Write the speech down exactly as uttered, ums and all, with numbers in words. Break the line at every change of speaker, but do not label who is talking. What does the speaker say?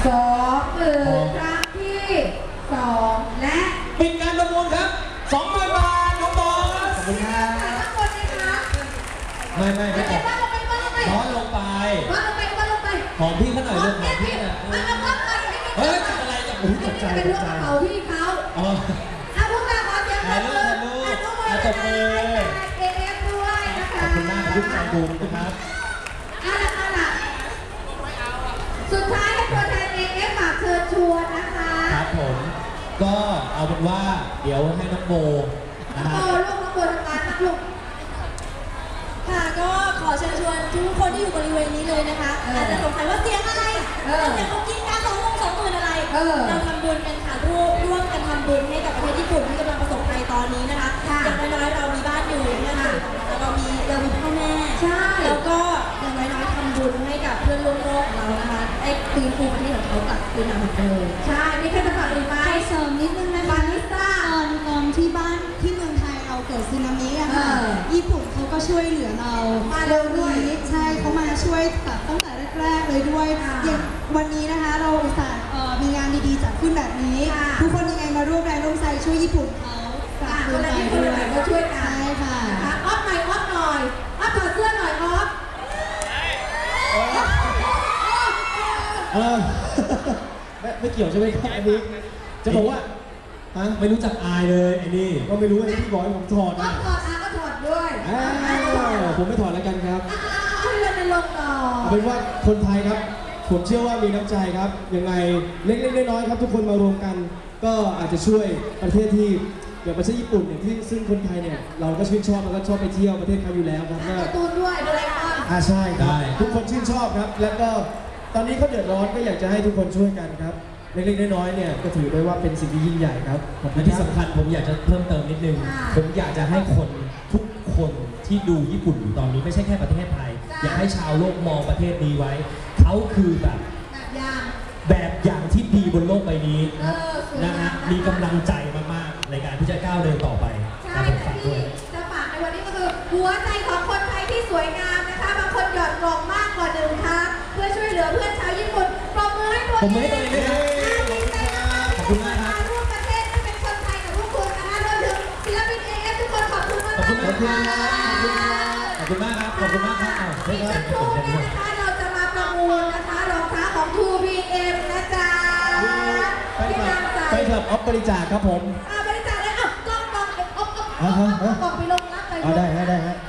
สองหมื่นครั้งที่สองและ
ปิดการประมูลครับสองหมื่นบาทน้องบอสขอบคุณครับ
ข้างบนไหมคะ
ไม่ไม่ไม่
บ้านลงไปบ้านลงไป
บ้านลงไป
บ้านลงไปบ้านลงไป
ของพี่เขาหน่อยลูกของพี่น่ะเฮ้ยอะไรจะโอ้ยตกใจ
เป็นเรื่องของเขาพี่เขา
อ๋อ
เอาพวกเราขอเสียงปรบมือ
อาตบมือ
เอเอฟด้วยนะคะ
ขอบคุณมากครับทุกใจบูมนะครับ
เอาละเอาละสุดท้ายให้ตัวแทนเอเอฟฝากเชิญชวนนะคะ
ครับผมก็เอาเป็นว่าเดี๋ยวให้น้องโบ
น้องโบลูกน้องโบทำงานนะลูก
ค่ะก็ขอเชิญชวนทุกคนที่อยู่บริเวณนี้เลยนะคะอาจจะสงสัยว่าเสียงอะไรเสียงเขากินการสองวงสองหมื่นอะไรเราทำบุญกันค่ะร่วมร่วมกันทำบุญให้กับประเทศญี่ปุ่นที่กำลังประสบภัยตอนนี้นะคะอย่างน้อยๆเรามีบ้านอยู่นะคะเรามีเรามีพ่อแม่แล้วก็อย่างน้อยๆทำบุญให้กับเพื่อนร่วมโลกของเรานะคะไอ้คืนภูมิประเทศของเขากลับคืนมาเหมือนเดิม
ใช่มีใครจะฝากอีกไหม
เสริมนิดนึงนะคะตอนตอนที่บ้านที่เมืองไทยเราเกิดสึนามิอะค่ะญี่ปุ่นเขาก็ช่วยเหลือเรา
มาเร็วด้วย
ใช่เขามาช่วยแบบตั้งแต่แรกๆเลยด้วยอย่างวันนี้นะคะเราอุตส่าห์มีงานดีๆจัดขึ้นแบบนี้ทุกคนยังไงมาร่วมแรงร่วมใจช่วยญี่ปุ่นเขา
ฝากคนละญี่ปุ่นหน่อยมาช่วยกัน
ใช่ค่ะ
ออฟหน่อยออฟหน่อยออฟถอดเสื้อหน่อยออฟ
เออไม่ไม่เกี่ยวใช่ไหมครับอันนี้จะบอกว่าฮะไม่รู้จักอายเลยไอ้นี่ก็ไม่รู้ไอ้ที่บอกให้ผมถอด
นะถอดอาก็ถอดด้วย
ผมไม่ถอดแล้วกันครับ
เอาเรื่องในลงต่อ
เอาเป็นว่าคนไทยครับผมเชื่อว่ามีน้ำใจครับยังไงเล็กๆน้อยๆครับทุกคนมารวมกันก็อาจจะช่วยประเทศที่อย่างประเทศญี่ปุ่นอย่างที่ซึ่งคนไทยเนี่ยเราก็ชื่นชอบแล้วก็ชอบไปเที่ยวประเทศเขาอยู่แล้วครับ
ก็ตูนด้วยโดเรมอน
อ่าใช่ครับทุกคนชื่นชอบครับแล้วก็ตอนนี้เขาเดือดร้อนก็อยากจะให้ทุกคนช่วยกันครับเล็กๆน้อยๆเนี่ยก็ถือได้ว่าเป็นสิ่งที่ยิ่งใหญ่ครับและที่สำคัญผมอยากจะเพิ่มเติมนิดนึงผมอยากจะให้คนทุกคนที่ดูญี่ปุ่นอยู่ตอนนี้ไม่ใช่แค่ประเทศไทยอยากให้ชาวโลกมองประเทศนี้ไว้เขาคือแบบ
แบบอย่าง
แบบอย่างที่ดีบนโลกใบนี้นะฮะมีกำลังใจมากๆในการที่จะก้าวเดินต่อไป
ใช่ที่จะฝากในวันนี้ก็คือหัวใจของคนไทยที่สวยงามนะคะบางคนหยอดกล่องมากกว่าหนึ่งค่ะเพื่อช่วยเหลือเพื่อนชาวญี่ปุ่นปรบมือให้ตัวเอง
ผมไม่ตัวเองด้วยครับขอบคุณมากครับ
ร่วมประเทศที่เป็นคนไทยกับพวกคุณนะคะรวมถึงศิลปินเอเอฟทุกคนขอบคุณมากขอบคุณมาก
ขอบคุณมากครับขอบคุณมากครับ
อีกสักครู่นี้นะคะเราจะมาประมูลนะคะรองเท้าของ ทู บี เอ็ม นะจ๊ะที่นำใส่
ไปเถิดออฟบริจาคครับผม
บริจาคเลยอ่ะกล้องกล้องเอ็มออฟออฟกล้องไปลงรับไป
ได้ได้ได้